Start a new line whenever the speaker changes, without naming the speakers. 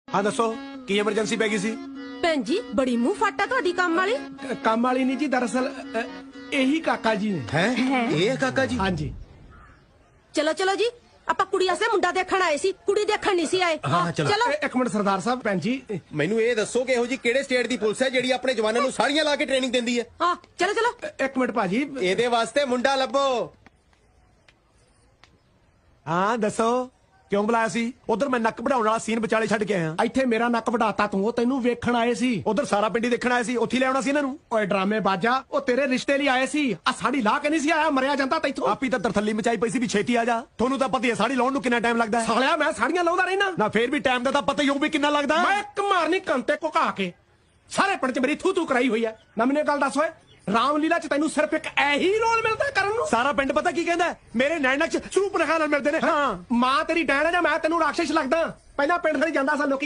ਹਾਂ ਦੱਸੋ ਕੀ ਐਮਰਜੈਂਸੀ ਪੈ ਗਈ ਸੀ?
ਭੈਣ ਜੀ ਬੜੀ ਮੂੰਹ ਫਾਟਾ ਤੁਹਾਡੀ ਕੰਮ ਵਾਲੀ।
ਕੰਮ ਵਾਲੀ ਨਹੀਂ ਜੀ, ਦਰਅਸਲ ਇਹੀ ਕਾਕਾ ਜੀ ਨੇ।
ਹੈ ਇਹ ਕਾਕਾ ਜੀ?
ਹਾਂਜੀ।
ਚਲੋ ਚਲੋ ਜੀ, ਆਪਾਂ ਕੁੜੀ ਵਾਸਤੇ ਮੁੰਡਾ ਦੇਖਣ ਆਏ ਸੀ, ਕੁੜੀ ਦੇਖਣ ਨਹੀਂ ਸੀ ਆਏ।
ਹਾਂ, ਚਲੋ।
ਚਲੋ
ਇੱਕ ਮਿੰਟ ਸਰਦਾਰ ਸਾਹਿਬ, ਭੈਣ ਜੀ
ਮੈਨੂੰ ਇਹ ਦੱਸੋ ਕਿ ਇਹੋ ਜੀ ਕਿਹੜੇ ਸਟੇਟ ਦੀ ਪੁਲਿਸ ਹੈ ਜਿਹੜੀ ਆਪਣੇ ਜਵਾਨਾਂ ਨੂੰ ਸਾੜੀਆਂ ਲਾ ਕੇ ਟ੍ਰੇਨਿੰਗ ਦਿੰਦੀ ਹੈ?
ਹਾਂ ਚਲੋ ਚਲੋ।
ਇੱਕ ਮਿੰਟ ਭਾਜੀ।
ਇਹਦੇ ਵਾਸਤੇ ਮੁੰਡਾ ਲੱਭੋ।
ਹਾਂ ਦੱਸੋ ਕਿਉਂ ਬੁਲਾਇਆ ਸੀ? ਉਧਰ ਮੈਂ ਨੱਕ ਵਢਾਉਣ ਵਾਲਾ ਸੀਨ ਵਿਚਾਲੇ ਛੱਡ ਕੇ ਆਇਆ। ਇੱਥੇ ਮੇਰਾ ਨੱਕ ਵਢਾਤਾ ਤੂੰ, ਉਹ ਤੈਨੂੰ ਵੇਖਣ ਆਏ ਸੀ। ਉਧਰ ਸਾਰਾ ਪਿੰਡੀ ਦੇਖਣ ਆਏ ਸੀ, ਉੱਥੇ ਲੈ ਆਉਣਾ ਸੀ ਇਹਨਾਂ ਨੂੰ। ਓਏ ਡਰਾਮੇ ਬਾਜਾ, ਉਹ ਤੇਰੇ ਰਿਸ਼ਤੇ ਲਈ ਆਏ ਸੀ। ਆ ਸਾੜੀ ਲਾ ਕੇ ਨਹੀਂ ਸੀ ਆਇਆ, ਮਰਿਆ ਜਾਂਦਾ ਤੈਥੋਂ। ਆਪੀ ਤਾਂ ਤਰਥੱਲੀ ਮਚਾਈ ਪਈ ਸੀ ਵੀ ਛੇਤੀ ਆ ਜਾ। ਤੁਹਾਨੂੰ ਤਾਂ ਪਤਾ ਹੀ ਹੈ ਸਾੜੀ ਲਾਉਣ ਨੂੰ ਕਿੰਨਾ ਟਾਈਮ ਲੱਗਦਾ ਹੈ। ਸਾਲਿਆ ਮੈਂ ਸਾੜੀਆਂ ਲਾਉਂਦਾ ਰਹਿਣਾ ਨਾ, ਫੇਰ ਵੀ ਟਾਈਮ ਦਾ ਤਾਂ ਪਤਾ ਹੀ ਹੋਊ ਵੀ ਕਿੰਨਾ ਲੱਗਦਾ। ਮੈਂ ਇੱਕ ਮਾਰਨੀ ਕੰਤੇ ਘੁਕਾ ਕੇ ਸਾਰੇ ਪਿੰਡ 'ਚ ਮੇਰੀ ਥੂ ਕਰਾਈ ਹੋਈ ਹੈ ਨਾ। ਮੈਨੂੰ ਗੱਲ ਦੱਸ ਓਏ, ਰਾਮਲੀਲਾ 'ਚ ਤੈਨੂੰ ਸਿਰਫ ਇੱਕ ਇਹੀ ਰੋਲ ਮਿਲਦਾ ਕਰਨ ਨੂੰ? ਸਾਰਾ ਪਿੰਡ ਪਤਾ ਕੀ ਕਹਿੰਦਾ, ਮੇਰੇ ਨੈਣਕ 'ਚ ਸਰੂਪ ਰਖਾ ਨਾਲ ਮਿਲਦੇ ਨੇ। ਹਾਂ ਮਾਂ ਤੇਰੀ ਡੈਣ ਹੈ ਜਾਂ ਮੈਂ ਤੈਨੂੰ ਰਾਖਸ਼ ਲੱਗਦਾ? ਪਹਿਲਾਂ ਪਿੰਡ ਦੇ ਜਾਂਦਾ ਸਾ ਲੋਕੀ